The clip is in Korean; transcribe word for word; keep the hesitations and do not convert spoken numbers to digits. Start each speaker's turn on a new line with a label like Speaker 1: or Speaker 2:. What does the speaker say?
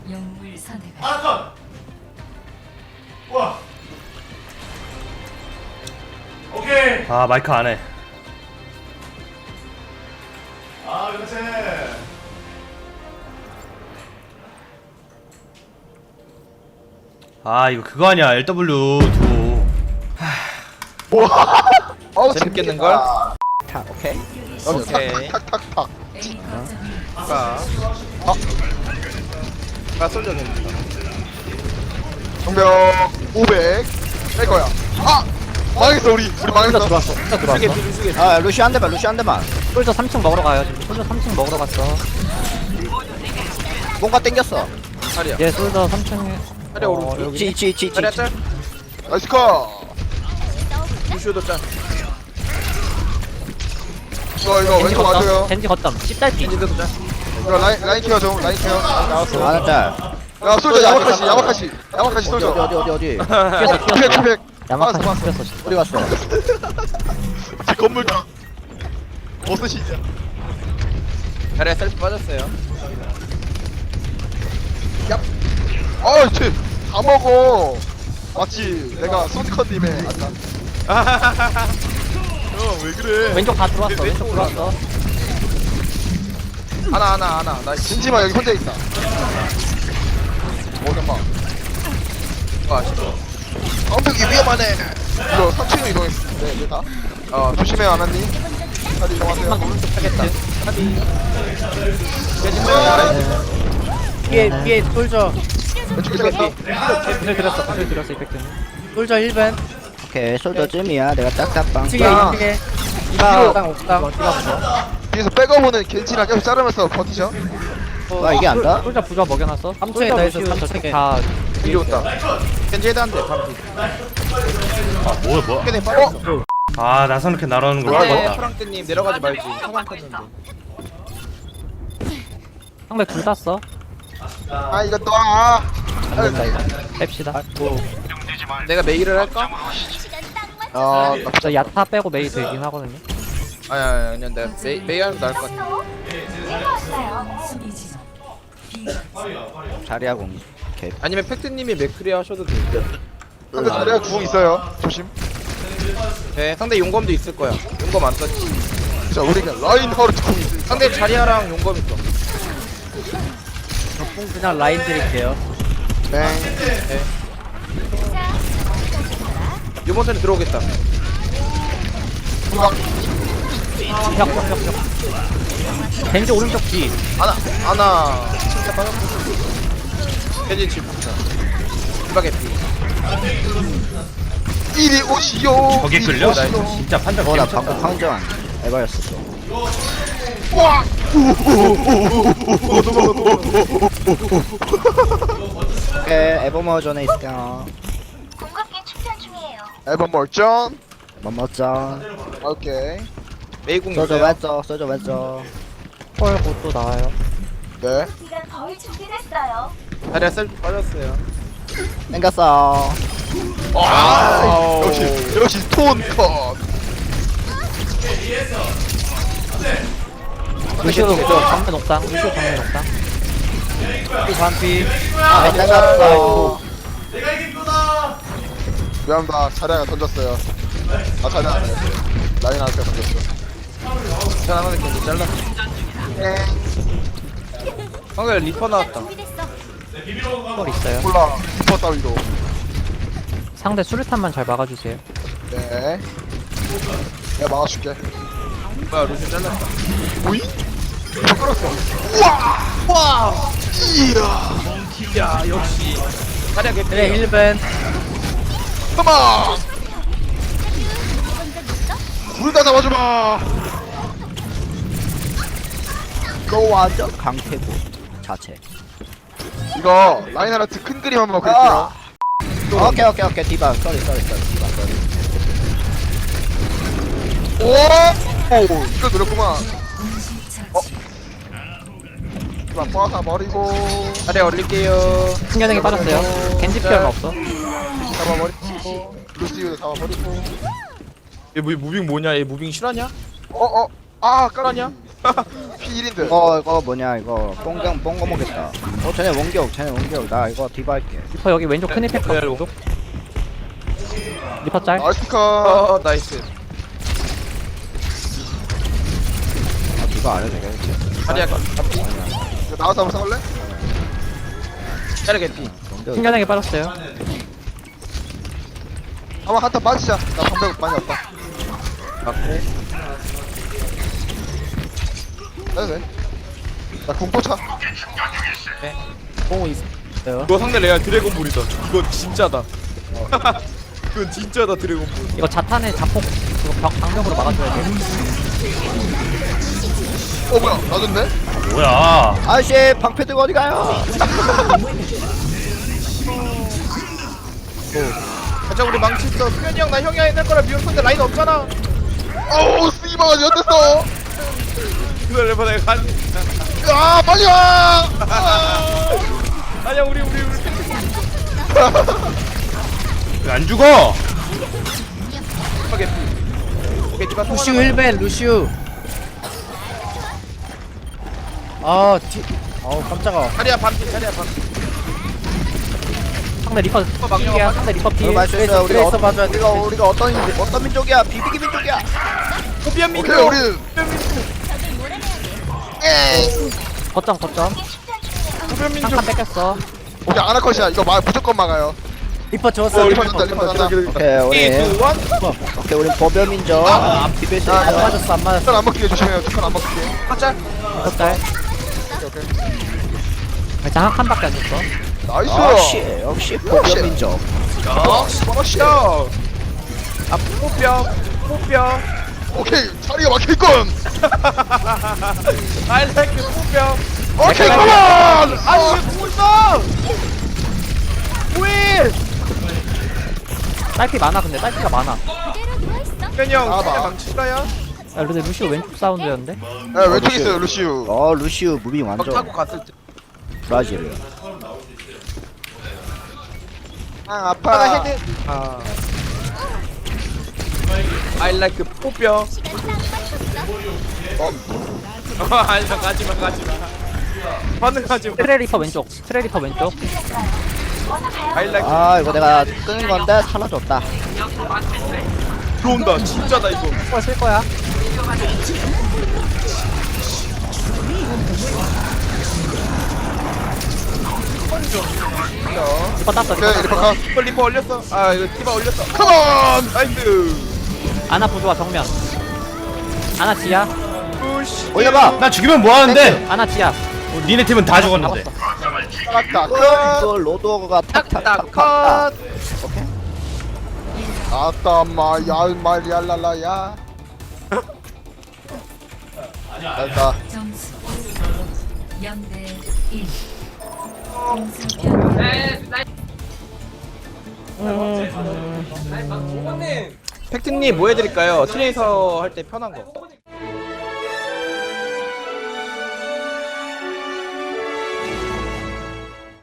Speaker 1: 영웅을 선택하십시오.
Speaker 2: 아건. 와. 오케이.
Speaker 3: 아 마이크 안해.
Speaker 2: 아 그렇지.
Speaker 3: 아 이거 그거 아니야 엘더블유 두.
Speaker 4: 어우
Speaker 5: 재밌겠는걸?
Speaker 4: 탁 오케이.
Speaker 5: 오케이.
Speaker 4: 탁탁탁탁.
Speaker 1: A 거점을
Speaker 5: 가. 어? 가 솔져 됩니다.
Speaker 4: 정병 오백 뺄 거야. 아 망했어 우리 우리 망했어.
Speaker 6: 들어왔어. 진짜 들어왔어.
Speaker 5: 수게 비비 수게.
Speaker 4: 아 루시 한 대만 루시 한 대만.
Speaker 6: 솔저 삼 층 먹으러 가요. 지금 솔저 삼 층 먹으러 갔어.
Speaker 4: 뭔가 땡겼어.
Speaker 5: 자리야.
Speaker 6: 얘 솔저 삼 층에
Speaker 5: 자리야 오른쪽.
Speaker 4: 있지 있지 있지 있지.
Speaker 5: 자리야 짤.
Speaker 4: 나이스 컷.
Speaker 5: 루시오도 짤.
Speaker 4: 이거 이거
Speaker 6: 겐지
Speaker 4: 왼쪽 와줘요.
Speaker 6: 걷담. 겐지 걷담. 씹달피.
Speaker 5: 겐지도 짤.
Speaker 4: 이거 라인 라인 케어 좀 라인 케어. 나왔어. 하나 짤. 야 솔저 야마카시 야마카시 야마카시 솔저. 어디 어디 어디 어디.
Speaker 6: 튀었어
Speaker 4: 피백
Speaker 6: 튀었어.
Speaker 4: 피백.
Speaker 6: 야마카시
Speaker 4: 봤어,
Speaker 6: 튀었어.
Speaker 4: 어디 갔어? 제 건물 다 버스시죠.
Speaker 5: 자리야 셀프 빠졌어요.
Speaker 4: 야. 어, 쟤다 먹어. 마치 내가 손컨님의 아까. 어왜 그래?
Speaker 6: 왼쪽 다 들어왔어. 왼쪽 들어왔어.
Speaker 5: 하나 하나 하나. 나
Speaker 4: 진지마 여기 혼자 있다. 뭐 잠깐.
Speaker 5: 이거 아시죠?
Speaker 4: 엄격히 위험하네. 이거 삼 층으로 이동했어. 네, 네 다. 어 조심해 아나님. 다들 이동하세요.
Speaker 6: 오른쪽 타겠다.
Speaker 7: 뒤에 뒤에 솔저
Speaker 4: 왼쪽에 잡았어.
Speaker 6: 구슬 들었어. 구슬 들었어. 이펙트는.
Speaker 7: 솔저 일 번
Speaker 8: 오케이 솔더쯤이야 내가 딱딱빵
Speaker 7: 이층에
Speaker 4: 야.
Speaker 7: 이층에
Speaker 4: 뒤로.
Speaker 7: 옥상 옥상
Speaker 4: 뒤에서 백업오는 겐지랑 계속 자르면서 버티셔.
Speaker 8: 와 이게 안다?
Speaker 6: 솔저 부자 먹여놨어.
Speaker 7: 삼 층에 다 있어, 삼
Speaker 6: 저쪽
Speaker 7: 층에.
Speaker 6: 다
Speaker 5: 이리 왔다. 겐지 헤드 한 대. 바로 뒤.
Speaker 3: 아 뭐야 뭐야.
Speaker 5: 깨네 빠졌어.
Speaker 3: 아 나선 이렇게 날아오는 걸
Speaker 5: 근데
Speaker 3: 봤다.
Speaker 5: 프랑크님 내려가지 말지. 사망 탔는데.
Speaker 6: 상대 둘 땄어.
Speaker 4: 아 이거 놔.
Speaker 6: 안 된다 이거. 뺍시다.
Speaker 5: 내가 메일을 할까?
Speaker 4: 아 나-
Speaker 6: 저 야타 빼고 메이 되긴 하거든요.
Speaker 5: 아니 아니 아니 내가 메 메일 하면 나을 것 같아.
Speaker 1: 수비 지점. B
Speaker 8: 자리야 공
Speaker 5: 아니면 팩트님이 맥크리 하셔도 돼.
Speaker 4: 상대 자리가 구멍 있어요. 조심.
Speaker 5: 네, 상대 용검도 있을 거야. 용검 안 썼지.
Speaker 4: 자 우리가 라인 하우르트 궁 있어.
Speaker 5: 상대 자리아랑 용검 있어.
Speaker 7: 공 그냥 라인 드릴게요.
Speaker 4: 네.
Speaker 5: 이번 턴에 들어오겠다.
Speaker 4: 후방.
Speaker 6: 벽벽벽벽. 겐지 오른쪽 뒤.
Speaker 5: 하나 하나. 진짜 빠졌고. 겐지 집 붙자. 이박에 피.
Speaker 4: 이리 오시오.
Speaker 3: 저게
Speaker 4: 이리
Speaker 3: 끌려? 나
Speaker 4: 오시오.
Speaker 3: 진짜 판단
Speaker 8: 어나
Speaker 3: 개미쳤다.
Speaker 8: 방금 황정 에바였어 또
Speaker 4: 와.
Speaker 8: 오케이 에버머 전에 있을게요
Speaker 4: 앨범 멀전.
Speaker 8: 멋멋져
Speaker 4: 오케이.
Speaker 5: 메이궁
Speaker 8: 소저
Speaker 5: 있어요.
Speaker 8: 왼쪽 소저 왼쪽
Speaker 6: 헐 곧또 나와요.
Speaker 4: 네.
Speaker 5: 자리아 셀프 빠졌어요.
Speaker 8: 땡겼어
Speaker 4: 아 역시 역시 스톤 컷.
Speaker 6: 루시오 정면 옥상. 루시오 정면 옥상.
Speaker 7: 이 반피
Speaker 8: 아 땡겼어
Speaker 2: 내가 이긴 거다.
Speaker 4: 미안합니다. 자리가 던졌어요. 아 자리가 아니었어. 라인 할때 던졌어.
Speaker 5: 자 하나 겐지 잘라.
Speaker 4: 네.
Speaker 5: 상대 리퍼 나왔다.
Speaker 6: 헐 있어요.
Speaker 4: 몰라. 리퍼 따위로.
Speaker 6: 상대 수류탄만 잘 막아주세요.
Speaker 4: 네. 내가 막아줄게.
Speaker 5: 뭐야 루시 잘랐다.
Speaker 4: 오이? 리퍼 끌었어. 우와. 와. 이야.
Speaker 5: 야 역시. 자리아 개피.
Speaker 7: 그래 일 번
Speaker 4: 컴온. 둘 다 잡아줘봐.
Speaker 8: 너 완전 강태고 자체
Speaker 4: 이거 라인하르트 큰 그림 한번 그릴게요.
Speaker 8: 오케이 오케이 오케이 디바 쏘리 쏘리 쏘리 디바 쏘리
Speaker 4: 오! 오! 이걸 노렸구만. 어? 이만 뻗어 버리고
Speaker 5: 자리아 올릴게요.
Speaker 6: 신경이 빠졌어요. 겐지 피어가 없어.
Speaker 4: 잡아버리고 루시우도 잡아버리고
Speaker 5: 얘 무, 무빙 뭐냐? 얘 무빙 실화냐?
Speaker 4: 어어 아
Speaker 5: 실화냐?
Speaker 4: 까라냐? 피 일인데.
Speaker 8: 이거 이거 뭐냐 이거 뽕경 뽕거 먹겠다. 어 쟤네 원격 쟤네 원격 나 이거 디바 할게.
Speaker 6: 리퍼 여기 왼쪽 큰 이펙터 왼쪽. 리퍼 짤.
Speaker 4: 나이스 컷.
Speaker 5: 어 나이스.
Speaker 8: 아 디바 안 해도 되겠지.
Speaker 5: 자리야 반피.
Speaker 4: 이거 나와서 한번 싸울래?
Speaker 5: 자리 개피.
Speaker 8: 원격.
Speaker 6: 신기하게 빠졌어요.
Speaker 4: 한번 한타 빠지자. 나 방벽 많이 없다.
Speaker 5: 맞고.
Speaker 4: 해도 돼. 나 궁포차.
Speaker 7: 뽕 있어요.
Speaker 5: 이거 상대 레알 드래곤볼이다. 이거 진짜다. 이건 진짜다 드래곤볼.
Speaker 6: 이거 자탄의 자폭 그거 벽 방벽으로 막아줘야 돼.
Speaker 4: 어 뭐야 놔줬네?
Speaker 3: 뭐야?
Speaker 8: 아저씨 방패 들고 어디 가요?
Speaker 5: 가자 우리 망치 있어. 수현이 형 나 형이 해낼 거라 미웠는데 라인 없잖아.
Speaker 4: 어우 씨발 연됐어.
Speaker 5: 기다려봐 내가 간.
Speaker 4: 아 빨리 와. 아.
Speaker 5: 아니야 우리 우리 우리.
Speaker 3: 왜 안 죽어?
Speaker 5: 개피. 오케이 디바
Speaker 7: 루시우 일 벤 루시우. 아 뒤. 아우 깜짝아.
Speaker 5: 자리야 반피 자리야 반피.
Speaker 6: 상대 리퍼 필이야. 상대 리퍼
Speaker 8: 이거
Speaker 6: 필.
Speaker 8: 말수 있어 우리가
Speaker 7: 트레이서
Speaker 8: 어,
Speaker 7: 봐줘야 돼.
Speaker 8: 우리가 우리가 어떤 민- 어떤 민족이야? 비비기 민족이야.
Speaker 5: 호비안 민족
Speaker 4: 오케이 우리. 에.
Speaker 6: 거점 거점.
Speaker 5: 호비안 민족.
Speaker 6: 한칸 뺏겼어.
Speaker 4: 우리 아나컷이야. 이거 막 무조건 막아요.
Speaker 7: 리퍼 줬어.
Speaker 4: 어,
Speaker 7: 리퍼
Speaker 4: 리퍼 줬다 리퍼 줬다.
Speaker 8: 오케이 우리
Speaker 5: 삼, 이, 일.
Speaker 8: 오케이 우리 보별 민족. 비빌 수
Speaker 4: 아,
Speaker 7: 안
Speaker 8: 있어.
Speaker 7: 맞았어 안 맞았어.
Speaker 4: 뚜껑 안 먹히게 조심해요. 뚜껑 안 먹히게.
Speaker 5: 가자.
Speaker 6: 리퍼 짤.
Speaker 4: 오케이 오케이.
Speaker 6: 일단 한 칸밖에 안 줬어.
Speaker 4: 나이스.
Speaker 8: 역시 역시 보별 민족.
Speaker 5: 어.
Speaker 4: 스파러시야.
Speaker 5: 아 호뼈 호뼈.
Speaker 4: 오케이 자리가 막힐건.
Speaker 5: I like 호뼈.
Speaker 4: 오케이 컴온.
Speaker 5: 아니 왜 보고 있어? 왜?
Speaker 6: 딸피 많아 근데 딸피가 많아.
Speaker 5: 현이 형
Speaker 4: 아,
Speaker 5: 상대
Speaker 4: 봐.
Speaker 5: 망치다야?
Speaker 6: 야 근데 루시오 왼쪽 사운드였는데?
Speaker 4: 야 왼쪽에 있어요 루시우.
Speaker 8: 어 루시우 무빙
Speaker 5: 막
Speaker 8: 완전
Speaker 5: 타고 갔을 때.
Speaker 8: 브라질.
Speaker 4: 아 아파.
Speaker 5: 헤드. 아. I like 호뼈. 어? 아니야 가지마 가지마. 반응하지.
Speaker 6: 트레 리퍼 왼쪽. 트레 리퍼 왼쪽.
Speaker 5: I like.
Speaker 8: 아 이거 내가 끄는 건데 살려줬다.
Speaker 5: 들어온다. 진짜다 이거.
Speaker 6: 이거 쓸 거야. 리퍼 땄어. 리퍼
Speaker 4: 오케이 리퍼
Speaker 6: 땄어.
Speaker 4: 컷.
Speaker 5: 리퍼 리퍼 올렸어. 아 이거 티바 올렸어. 컴온. 나이스.
Speaker 6: 아나 부조화 정면. 아나 지야.
Speaker 5: 푸시.
Speaker 8: 올려봐.
Speaker 3: 나 죽이면 뭐 하는데?
Speaker 6: 아나 지야.
Speaker 3: 어, 니네 팀은 다 죽었는데.
Speaker 4: 나갔다.
Speaker 8: 이거 로드가
Speaker 5: 딱딱
Speaker 8: 탁탁탁
Speaker 5: 컷.
Speaker 4: 아따 마야 말야랄라야. 됐다.
Speaker 1: 점수 영 대 일. 공수 변.
Speaker 5: 팩트님 뭐 해드릴까요? 트레이서 할 때 편한 거.